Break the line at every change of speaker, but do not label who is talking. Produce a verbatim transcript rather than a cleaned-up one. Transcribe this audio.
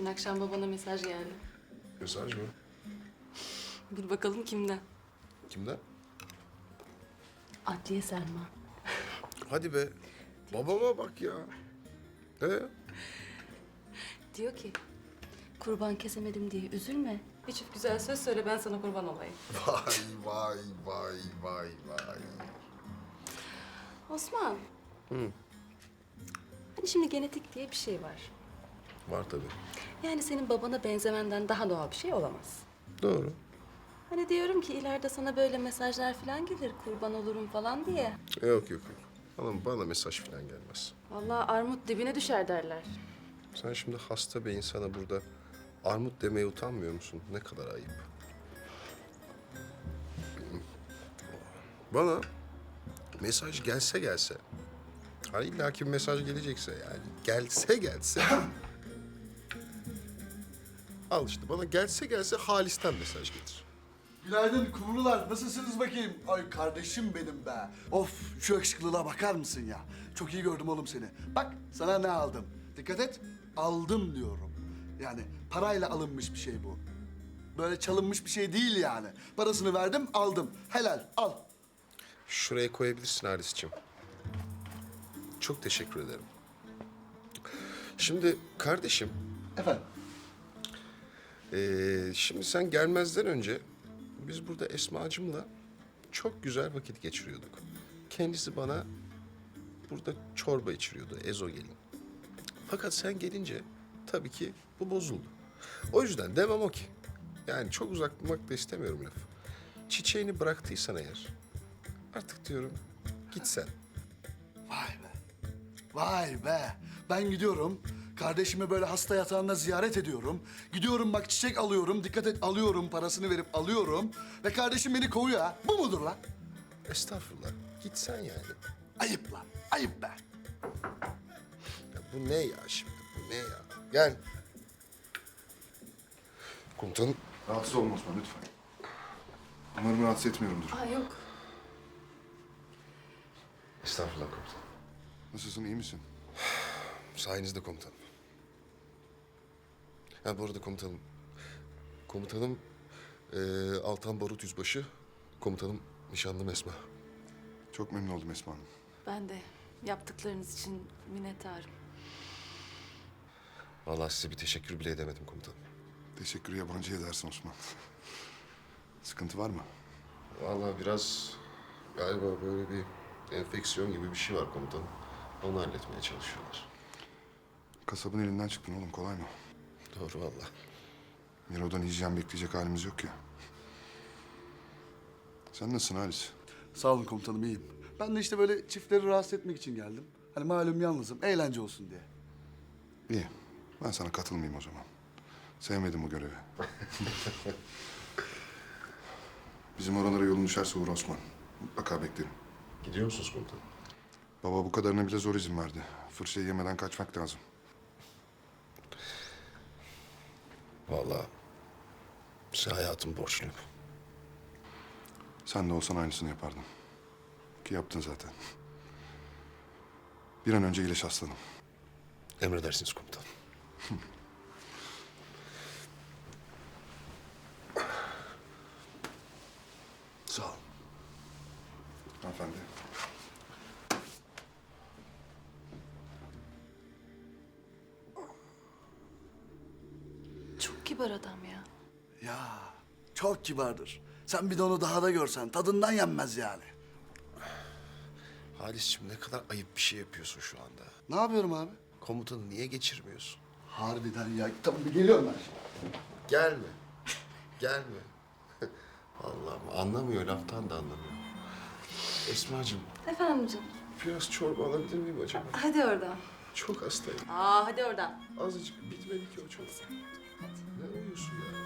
Dün akşam babana mesaj geldi.
Mesaj mı?
Bil bakalım kimden?
Kimden?
Adliye Selma.
Hadi be. Babama bak ya. Ee?
Diyor ki, kurban kesemedim diye üzülme. Bir çift güzel söz söyle, ben sana kurban olayım.
Vay vay vay vay vay.
Osman.
Hı.
Hani şimdi genetik diye bir şey var.
Var tabii.
Yani senin babana benzemenden daha doğal bir şey olamaz.
Doğru.
Hani diyorum ki ileride sana böyle mesajlar falan gelir, kurban olurum falan diye.
Yok yok yok. Bana, bana mesaj falan gelmez.
Vallahi armut dibine düşer derler.
Sen şimdi hasta bir insana burada armut demeye utanmıyor musun? Ne kadar ayıp. Bana mesaj gelse gelse, hani illaki bir mesaj gelecekse yani, gelse gelse... Al işte bana gelse gelse Halis'ten mesaj getir.
Günaydın kumrular. Nasılsınız bakayım? Ay kardeşim benim be. Of şu yakışıklılığa bakar mısın ya? Çok iyi gördüm oğlum seni. Bak sana ne aldım. Dikkat et. Aldım diyorum. Yani parayla alınmış bir şey bu. Böyle çalınmış bir şey değil yani. Parasını verdim aldım. Helal al.
Şuraya koyabilirsin Halis'ciğim. Çok teşekkür ederim. Şimdi kardeşim,
Efendim.
ee, şimdi sen gelmezden önce biz burada Esma'cığımla çok güzel vakit geçiriyorduk. Kendisi bana burada çorba içiriyordu, ezogelin. Fakat sen gelince tabii ki bu bozuldu. O yüzden demem o ki. Yani çok uzak durmak da istemiyorum lafı. Çiçeğini bıraktıysan eğer artık diyorum git sen.
Vay be. Vay be. Ben gidiyorum. Kardeşimi böyle hasta yatağında ziyaret ediyorum. Gidiyorum bak çiçek alıyorum. Dikkat et alıyorum. Parasını verip alıyorum. Ve kardeşim beni kovuyor ha. Bu mudur lan?
Estağfurullah. Git sen yani.
Ayıp lan. Ayıp be.
Ya bu ne ya şimdi? Bu ne ya? Gel. Komutanım.
Rahatsız olma Osman lütfen. Umarım rahatsız etmiyorumdur.
Aa yok.
Estağfurullah komutanım.
Nasılsın, iyi misin?
Sayenizde komutanım. Ha bu arada komutanım. Komutanım eee, Altan Barut Yüzbaşı. Komutanım nişanlım Esma.
Çok memnun oldum Esma Hanım.
Ben de yaptıklarınız için minnettarım.
Vallahi size bir teşekkür bile edemedim komutanım.
Teşekkürü yabancı edersin Osman. Sıkıntı var mı?
Vallahi biraz galiba böyle bir enfeksiyon gibi bir şey var komutanım. Onu halletmeye çalışıyorlar.
Kasabın elinden çıktın oğlum, kolay mı?
Doğru vallahi.
Miro'dan hijyen bekleyecek halimiz yok ya. Sen nasılsın Halis?
Sağ olun komutanım iyiyim. Ben de işte böyle çiftleri rahatsız etmek için geldim. Hani malum yalnızım, eğlence olsun diye.
İyi. Ben sana katılmayayım o zaman. Sevmedim bu görevi. Bizim oralara yolun düşerse uğra Osman. Mutlaka beklerim.
Gidiyor musunuz komutanım?
Baba bu kadarına bile zor izin verdi. Fırçayı yemeden kaçmak lazım.
Vallahi size hayatım borçluyum.
Sen de olsan aynısını yapardın. Ki yaptın zaten. Bir an önce iyileş aslanım.
Emredersiniz komutanım.
Sağ ol. Hanımefendi.
Çok kibar adam ya.
Ya çok kibardır. Sen bir de onu daha da görsen tadından yenmez yani.
Halis'ciğim ne kadar ayıp bir şey yapıyorsun şu anda.
Ne yapıyorum abi?
Komutanı niye geçirmiyorsun?
Harbiden ya. Tabii geliyorum ben şimdi.
Gelme. Gelme. Allah'ım anlamıyor, laftan da anlamıyor. Esma'cığım
Efendim canım.
biraz çorba alabilir miyim acaba?
Hadi oradan.
Çok hastayım.
Aa hadi oradan.
Azıcık bitmedi ki o çorba. Ne uyuyorsun ya?